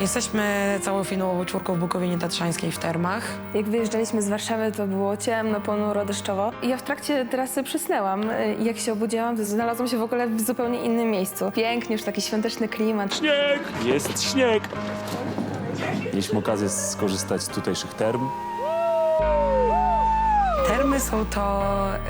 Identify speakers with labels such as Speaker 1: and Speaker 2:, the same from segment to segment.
Speaker 1: Jesteśmy całofinałową czwórką w Bukowinie Tatrzańskiej w termach.
Speaker 2: Jak wyjeżdżaliśmy z Warszawy, to było ciemno, ponuro, deszczowo. I ja w trakcie trasy przysnęłam. I jak się obudziłam, to znalazłam się w ogóle w zupełnie innym miejscu. Pięknie, już taki świąteczny klimat.
Speaker 3: Śnieg! Jest śnieg! Mieliśmy okazję skorzystać z tutejszych term.
Speaker 1: Termy są to...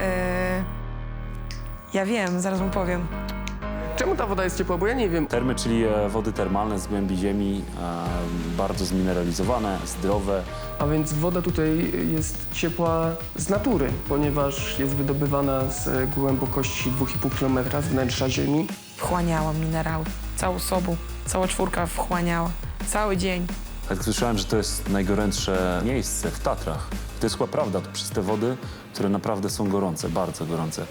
Speaker 1: ja wiem, zaraz mu powiem.
Speaker 4: Czemu ta woda jest ciepła? Bo ja nie wiem.
Speaker 3: Termy, czyli wody termalne z głębi ziemi, bardzo zmineralizowane, zdrowe.
Speaker 4: A więc woda tutaj jest ciepła z natury, ponieważ jest wydobywana z głębokości 2,5 km z wnętrza ziemi.
Speaker 1: Wchłaniała minerały. Całą sobą. Cała czwórka wchłaniała. Cały dzień.
Speaker 3: Tak słyszałem, że to jest najgorętsze miejsce w Tatrach. To jest chyba prawda, to przez te wody, które naprawdę są gorące, bardzo gorące.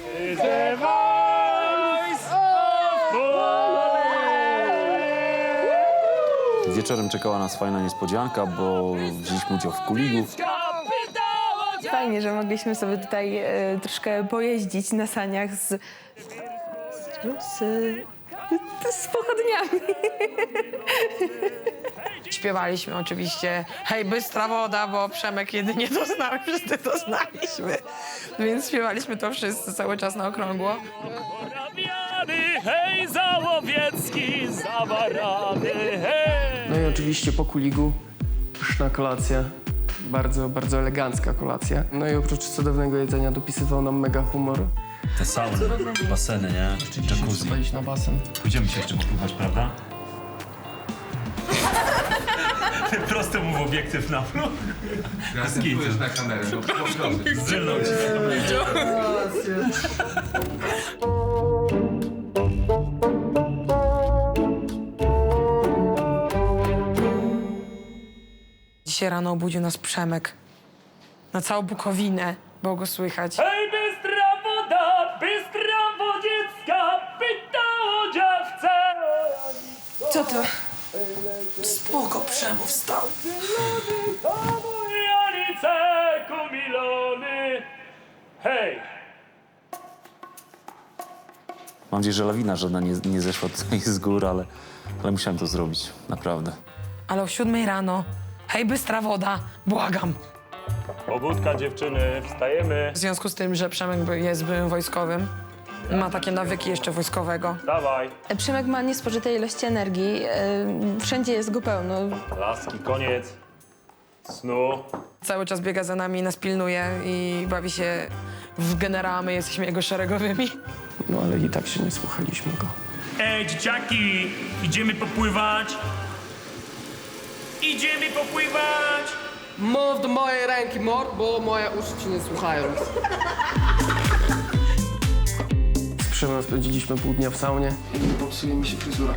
Speaker 3: Wieczorem czekała nas fajna niespodzianka, bo wzięliśmy udział w kuligu.
Speaker 2: Fajnie, że mogliśmy sobie tutaj troszkę pojeździć na saniach z pochodniami.
Speaker 1: Śpiewaliśmy oczywiście hej, bystra woda, bo Przemek jedynie to znał, wszyscy to znaliśmy. Więc śpiewaliśmy to wszyscy cały czas na okrągło.
Speaker 5: Zawarany, hej, Załowiecki, zawarany, hej!
Speaker 4: No i oczywiście po kuligu pyszna kolacja. Bardzo, bardzo elegancka kolacja. No i oprócz cudownego jedzenia dopisywał nam mega humor.
Speaker 3: Te sauny, baseny, nie? Jacuzzi.
Speaker 4: Trzeba iść na basen.
Speaker 3: Pójdziemy się jeszcze popływać, prawda? Prosto mu w obiektyw na mnie.
Speaker 6: Spójrz na kamerę, no proszę.
Speaker 3: Zrylną ci na kamerę.
Speaker 1: Dzisiaj rano obudził nas Przemek. Na całą Bukowinę było go słychać.
Speaker 5: Hej, bystra woda, bystra wodziecka, pyta o dziewce!
Speaker 1: Co to? Spoko, Przemu wstał.
Speaker 5: Janice, kumilony, hej!
Speaker 3: Mam nadzieję, że lawina żadna nie zeszła tutaj z gór, ale musiałem to zrobić, naprawdę.
Speaker 1: Ale o 7 rano. Hej, bystra woda, błagam.
Speaker 5: Pobudka dziewczyny, wstajemy,
Speaker 1: W związku z tym, że Przemek jest byłym wojskowym, ma takie nawyki jeszcze wojskowego.
Speaker 5: dawaj,
Speaker 2: Przemek ma niespożyte ilości energii. Wszędzie jest go pełno.
Speaker 5: laski, koniec snu.
Speaker 1: Cały czas biega za nami, nas pilnuje i bawi się w generała, my jesteśmy jego szeregowymi.
Speaker 4: No ale i tak się nie słuchaliśmy go.
Speaker 5: Ej, dzieciaki, idziemy popływać? Idziemy popływać!
Speaker 7: Mów do mojej ręki, mord, bo moje uszy ci nie słuchają.
Speaker 4: Z Przemem spędziliśmy pół dnia w saunie. I popsuje mi się fryzura.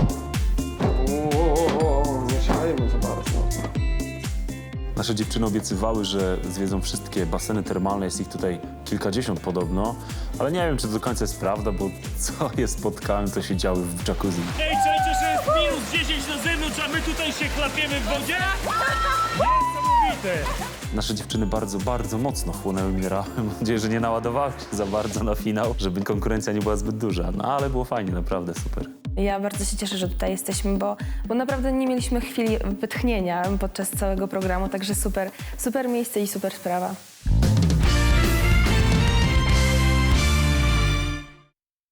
Speaker 4: Nie szalejmy za bardzo.
Speaker 3: Nasze dziewczyny obiecywały, że zwiedzą wszystkie baseny termalne, jest ich tutaj kilkadziesiąt podobno, ale nie wiem, czy to do końca jest prawda, bo co je spotkałem, to się działy w jacuzzi.
Speaker 5: Ej, czajcie, że jest minus 10 na zewnątrz, a my tutaj się chlapiemy w wodzie? Niesamowite!
Speaker 3: Nasze dziewczyny bardzo, bardzo mocno chłonęły minerały. Mam nadzieję, że nie naładowały się za bardzo na finał, żeby konkurencja nie była zbyt duża. No ale było fajnie, naprawdę super.
Speaker 2: Ja bardzo się cieszę, że tutaj jesteśmy, bo naprawdę nie mieliśmy chwili wytchnienia podczas całego programu, także super miejsce i super sprawa.